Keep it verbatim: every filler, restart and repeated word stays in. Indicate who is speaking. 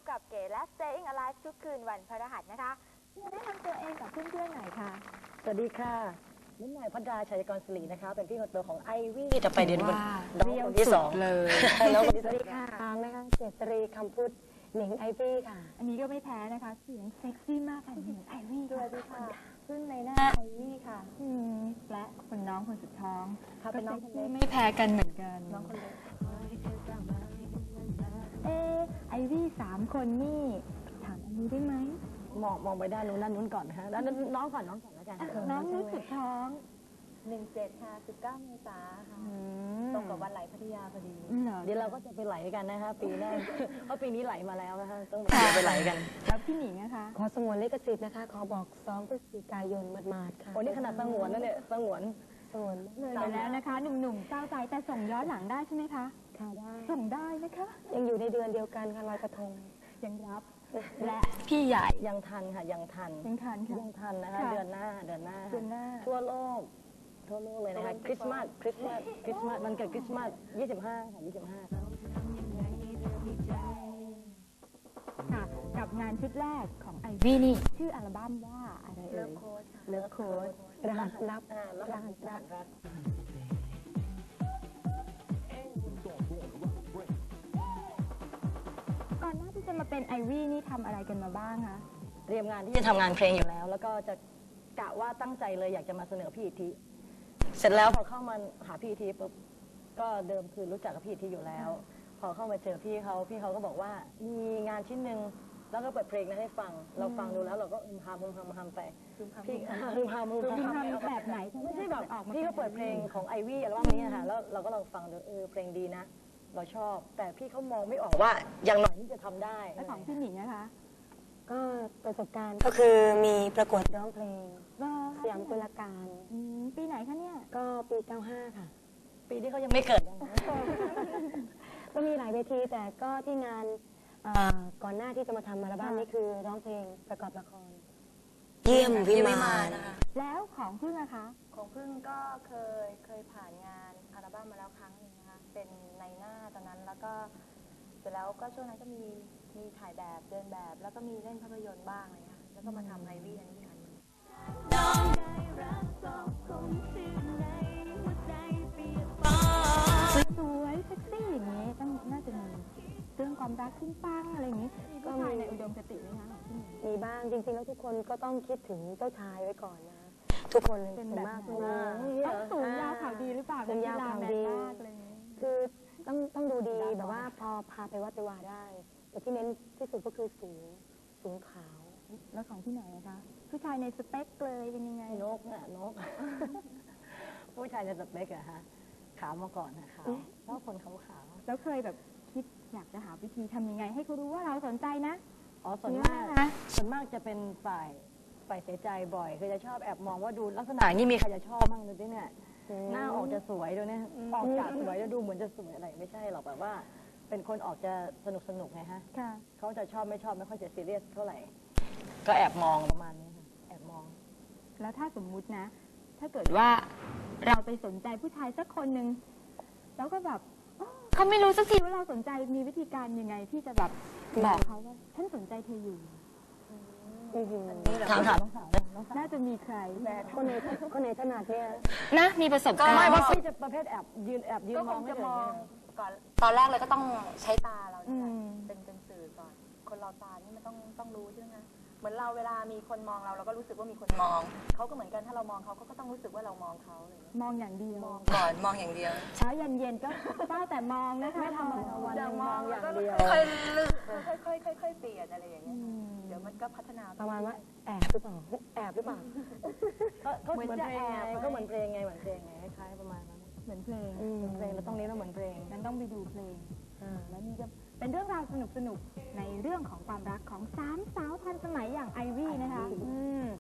Speaker 1: กับเก๋และ Staying Alive ทุกคืนวันพฤหัสนะคะแนะนำตัวเองกับเพื่อนๆหน่อยค่ะ
Speaker 2: สวัสดีค่ะนุ่นหน่อยพัดดาชัยกรศิรินะคะเป็นพี่คนโตของไอวี่จะไปเรียนวันน้องคนที่สองเลยน้องคนที่สวัสดีค่ะ
Speaker 3: ทางนะคะเจษรีคำพูดหนิงไอวี่ค่ะ
Speaker 1: อันนี้ก็ไม่แพ้นะคะเสียงเซ็กซี่มากค่ะหนิงไอวี่สวัสดีค่ะซึ่งในหน้าไอวี่ค่ะและคนน้องคนสุดท้องเขาเป็นน้องคนเล็กไม่แพ้กันเหมือนกันน้องคนเล็กเออไอวี่สามคนนี่ถามอันนี้ได้ไหม
Speaker 2: มองมองไปด้านนู้นด้านนู้นก่อนนะคะด้านน้องก่อนน้องก่อนแล้วกัน
Speaker 1: น้องนุชสุดท้อง
Speaker 4: หนึ่งเจ็ดค่ะสิบเก้าเมษาค่ะตรงกับวันไหลพัทยาพอดี
Speaker 2: เดี๋ยวเราก็จะไปไหลกันนะคะปีหน้าเพราะปีนี้ไหลมาแล้วนะคะต้องไปไหลกัน
Speaker 1: แล้วพี่หนิงนะคะ
Speaker 3: ขอสงวนลิขสิทธิ์นะคะขอบอกสองพฤศจิกายนมาดๆค่ะ
Speaker 2: โอ้นี่ขนาดสงวนนั่นเนี่ยสงวน
Speaker 3: สงวน
Speaker 1: เลยไปแล้วนะคะหนุ่มๆเศร้าใจแต่ส่งย้อนหลังได้ใช่ไหมคะ
Speaker 3: ค่ะได้
Speaker 1: ส่งได้นะคะ
Speaker 3: ยังอยู่ในเดือนเดียวกันค่ะลอยกระทง
Speaker 1: ยังรับและพี่ใหญ่
Speaker 2: ยังทันค่ะยังทัน
Speaker 1: ยังทันค่ะ
Speaker 2: ยังทันนะคะเดือนหน้าเดือนหน้า
Speaker 1: เดือนหน้า
Speaker 2: ทั่วโลกทั่วโลกเลยนะคะคริสต์มาสคริสต์มาสคริสต์มาสมันเกิดคริสต์มาสยี่สิบห้าค่ะยี่สิบห้า
Speaker 1: ค่ะกับงานชุดแรกของไอวี่นี่ชื่ออัลบั้มว่าอะไรเอ่ย
Speaker 4: เลิฟโค้ดค่ะ
Speaker 1: เลิฟโค้ด
Speaker 3: รหัสลับ
Speaker 2: รหัสลับ
Speaker 1: ก่อนหน้าที่จะมาเป็นไอวี่นี่ทำอะไรกันมาบ้างคะ
Speaker 2: เตรียมงานที่จะทำงานเพลงอยู่แล้วแล้วก็จะกะว่าตั้งใจเลยอยากจะมาเสนอพี่อิทธิเสร็จแล้วพอเข้ามาหาพี่อิทธิปุ๊บก็เดิมคือรู้จักกับพี่อิทธิอยู่แล้วพอเข้ามาเจอพี่เขาพี่เขาก็บอกว่ามีงานชิ้นหนึ่งแล้วก็เปิดเพลงนั้นให้ฟังเราฟังดูแล้วเราก็อึมพามอึมพามพามไปพี่อึมพามอึมพาม
Speaker 1: แบบไหน
Speaker 2: ไม่ใช่แบบพี่ก็เปิดเพลงของไอวี่อัลบั้มนี้ค่ะแล้วเราก็ลองฟังดูเออเพลงดีนะเราชอบแต่พี่เขามองไม่ออกว่าอย่างหน่อยนี่จะทำได้
Speaker 1: แล้วของพี่หนิงนะคะ
Speaker 3: ก็ประสบการณ์ก็คือมีประกวดร้องเพลงสยามกุลการ
Speaker 1: ปีไหนคะเนี่ย
Speaker 3: ก็ปีเก้าห้าค่ะ
Speaker 2: ปีที่เขายังไม่เกิด
Speaker 3: ก็มีหลายเวทีแต่ก็ที่งานก่อนหน้าที่จะมาทำอัลบั้มนี้คือร้องเพลงประกอบละครเยี่ยมวิมานนะคะ
Speaker 1: แล้วของพึ่งอะคะ
Speaker 4: ของพึ่งก็เคยเคยผ่านงานอัลบั้มมาแล้วครั้งหนึ่งนะคะเป็นในหน้าตอนนั้นแล้วก็เสร็จแล้วก็ช่วงนั้นก็มีมีถ่ายแบบเดินแบบแล้วก็มีเล่นภาพยนตร์บ้างอะไรเงี้ยแล้วก็มาทำไอวี่อันนี้อันนึง
Speaker 1: สวยเซ็กซี่อย่างนี้ต้องน่าจะมีเรื่องความรักขึ้นปังอะไรอย่างนี้ก็มีในอุดมคติไหมคะ
Speaker 3: มีบ้างจริงๆแล้วทุกคนก็ต้องคิดถึงเจ้าชายไว้ก่อนนะทุกคนเลย
Speaker 1: เป็นแบบ
Speaker 3: ต้อง
Speaker 1: สูงยาวขาวดีหรือเปล่า
Speaker 3: สูงยาวขาวดีคือต้องต้องดูดีแบบว่าพอพาไปวัดไปวาได้แต่ที่เน้นที่สุดก็คือสูงสูงขาว
Speaker 1: แล้วของที่ไหนนะคะผู้ชายในสเปคเลยเป็นยังไง
Speaker 2: นกน่ะนกผู้ชายในสเปคอะฮะขาวมาก่อนนะขาวชอบคนขาวขาว
Speaker 1: แล้วเคยแบบคิดอยากจะหาวิธีทำยังไงให้เขารู้ว่าเราสนใจนะ
Speaker 2: อ๋อส่วนมากส่วนมากจะเป็นฝ่ายฝ่ายเสียใจบ่อยคือจะชอบแอบมองว่าดูลักษณะนี่มีใครจะชอบบ้างดูดิเนี่ยหน้าออกจะสวยด้วยเนี่ยออกจากสวยแล้วดูเหมือนจะสวยอะไรไม่ใช่หรอกแบบว่าเป็นคนออกจะสนุกสนุกไงฮะเขาจะชอบไม่ชอบไม่ค่อยจะซีเรียสเท่าไหร่ก็แอบมองประมาณนี้ค่ะแอบมอง
Speaker 1: แล้วถ้าสมมุตินะถ้าเกิดว่าเราไปสนใจผู้ชายสักคนหนึ่งแล้วก็แบบเขาไม่รู้สักทีว่าเราสนใจมีวิธีการยังไงที่จะแบบบอกเขาว่าฉันสนใจเธออยู่
Speaker 2: ถามถาม
Speaker 1: น่าจะมีใคร
Speaker 3: คนในคนในถนัดเนี่ย
Speaker 1: นะมีประสบการณ์
Speaker 2: ไม่ว่าพี่จะประเภทแอบยืนแอบยืนมองไม่
Speaker 4: ถึงก่อน
Speaker 2: ต
Speaker 4: อนแรกเลยก็ต้องใช้ตาเราเป็นเป็นสื่อก่อนคนเราตานี่มันต้องต้องรู้ใช่ไหมเหมือนเราเวลามีคนมองเราเราก็รู้สึกว่ามีคนมองเขาก็เหมือนกันถ้าเรามองเขาก็ต้องรู้สึกว่าเรามองเขาเลย
Speaker 1: มองอย่างเดียว
Speaker 4: มองก่อนมองอย่างเดียว
Speaker 1: เช้าเย็นเย็นก็ได้แต่มองนะคะ
Speaker 2: ไม่ทำอะไรวันมองอย่างเดียว
Speaker 4: ค่อยๆลึกค่อยๆค่อยๆเปลี่ยนอะไรอย่างเงี้ยเดี๋ยวมันก็พัฒนา
Speaker 3: ประมาณว่าแอบหรือเปล่าแอบหรือเปล่า
Speaker 2: ก็เหมือนเพลงไงก็เหมือนเพลงไงเหมือนเพลงไงคล้ายๆประมาณนั้น
Speaker 1: เหมือนเพลง
Speaker 2: เหมือนเพลงแล้วต้องนี้เราเหมือนเพลง
Speaker 1: นั้นต้องไปดูเพลงแล้วนี่จะเป็นเรื่องราวสนุกๆในเรื่องของความรักของสามสาวทันสมัยอย่างไอวี่นะคะ